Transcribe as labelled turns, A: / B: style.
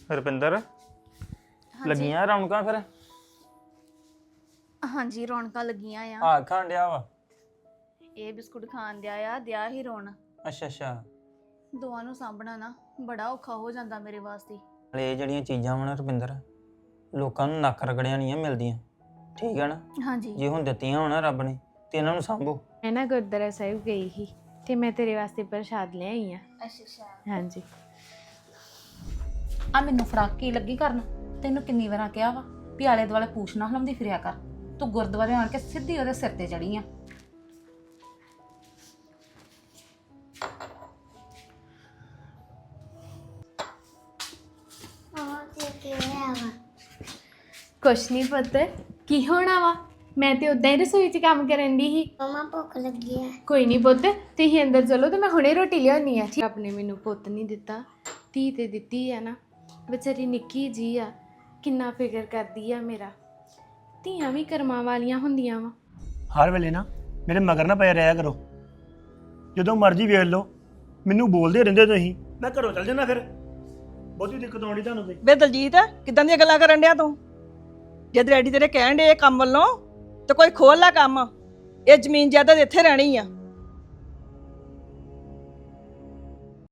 A: ਰੁਪਿੰਦਰ ਲੱਗੀਆਂ ਰੌਣਕਾਂ ਫਿਰ
B: ਹਾਂਜੀ ਰੌਣਕਾਂ ਲੱਗੀਆਂ ਆ
A: ਆ ਖਾਣ ਡਿਆ ਵਾ
B: ਇਹ ਬਿਸਕੁਟ ਖਾਣ ਦਿਆ ਹੀ ਰੋਣ
A: ਅੱਛਾ ਅੱਛਾ
B: ਦੋਵਾਂ ਨੂੰ ਸਾਂਭਣਾ ਨਾ ਬੜਾ ਔਖਾ ਹੋ ਜਾਂਦਾ ਮੇਰੇ ਵਾਸਤੇ।
A: ਹਲੇ ਇਹ ਜਿਹੜੀਆਂ ਚੀਜ਼ਾਂ ਵਾ ਨਾ ਰੁਪਿੰਦਰ ਲੋਕਾਂ ਨੂੰ ਨੱਕ ਰਗੜਿਆ ਨਹੀਂ ਮਿਲਦੀਆਂ ਠੀਕ ਹੈ ਨਾ।
B: ਹਾਂਜੀ
A: ਜੇ ਹੁਣ ਦਿੱਤੀਆਂ ਹੋਣਾ ਰੱਬ ਨੇ ਤੇ ਇਹਨਾਂ ਨੂੰ ਸਾਂਭੋ।
C: ਮੈਂ ਨਾ ਗੁਰਦੁਆਰਾ ਸਾਹਿਬ ਗਈ ਸੀ ਤੇ ਮੈਂ ਤੇਰੇ ਵਾਸਤੇ ਪ੍ਰਸ਼ਾਦ ਲੈ ਆਈ ਆ।
B: ਅੱਛਾ
C: ਹਾਂਜੀ
D: ਆ ਮੈਨੂੰ ਫਰਾਕ ਕੀ ਲੱਗੀ ਕਰਨ? ਤੈਨੂੰ ਕਿੰਨੀ ਵਾਰਾਂ ਕਿਹਾ ਵਾ ਵੀ ਆਲੇ ਦੁਆਲੇ ਪੂਛ ਨਾ ਹਲਾਉਂਦੀ ਫਿਰਿਆ ਕਰ। ਤੂੰ ਗੁਰਦੁਆਰੇ ਆਣ ਕੇ ਸਿੱਧੀ ਉਹਦੇ ਸਿਰ ਤੇ ਚੜੀ ਆ।
C: ਕੁਛ ਨਹੀਂ ਪੁੱਤ ਕੀ ਹੋਣਾ ਵਾ ਮੈਂ ਤੇ ਉਦਾਂ ਹੀ ਰਸੋਈ 'ਚ ਕੰਮ ਕਰਨ ਦੀ ਸੀ।
E: ਮਮਾ ਭੁੱਖ ਲੱਗੀ ਹੈ।
C: ਕੋਈ ਨਹੀਂ ਪੁੱਤ ਤੁਸੀਂ ਅੰਦਰ ਚਲੋ ਤੇ ਮੈਂ ਹੁਣੇ ਰੋਟੀ ਲਿਆਉਣੀ ਆ। ਰੱਬ ਨੇ ਮੈਨੂੰ ਪੁੱਤ ਨਹੀਂ ਦਿੱਤਾ ਧੀ ਤੇ ਦਿੱਤੀ ਆ ਨਾ। ਵਿਚਾਰੀ ਨਿੱਕੀ ਜੀ ਆ ਕਿੰਨਾ ਫਿਕਰ ਕਰਦੀ ਆ ਮੇਰਾ। ਧੀਆਂ ਵੀ ਕਰਮਾਂ ਵਾਲੀਆਂ ਹੁੰਦੀਆਂ ਵਾ।
F: ਹਰ ਵੇਲੇ ਨਾ ਮੇਰੇ ਮਗਰ ਨਾ ਪਏ ਰਿਹਾ ਕਰੋ। ਜਦੋਂ ਮਰਜ਼ੀ ਵੇਖ ਲਓ ਮੈਨੂੰ ਬੋਲਦੇ ਰਹਿੰਦੇ ਤੁਸੀਂ। ਮੈਂ ਘਰੋਂ ਚੱਲ ਜਾਣਾ ਫਿਰ ਬਹੁਤੀ ਦਿੱਕਤ ਆਉਣੀ ਤੁਹਾਨੂੰ ਤੇ।
G: ਵੇ ਦਲਜੀਤ ਕਿਦਾਂ ਦੀਆਂ ਗੱਲਾਂ ਕਰਨ ਡਿਆ ਤੂੰ? ਜਦ ਡੈਡੀ ਤੇਰੇ ਕਹਿਣ ਡੇ ਇਹ ਕੰਮ ਵੱਲੋਂ ਤੇ ਕੋਈ ਖੋਲ ਲੈ ਕੰਮ। ਇਹ ਜ਼ਮੀਨ ਜਾਇਦਾਦ ਇੱਥੇ ਰਹਿਣੀ ਆ।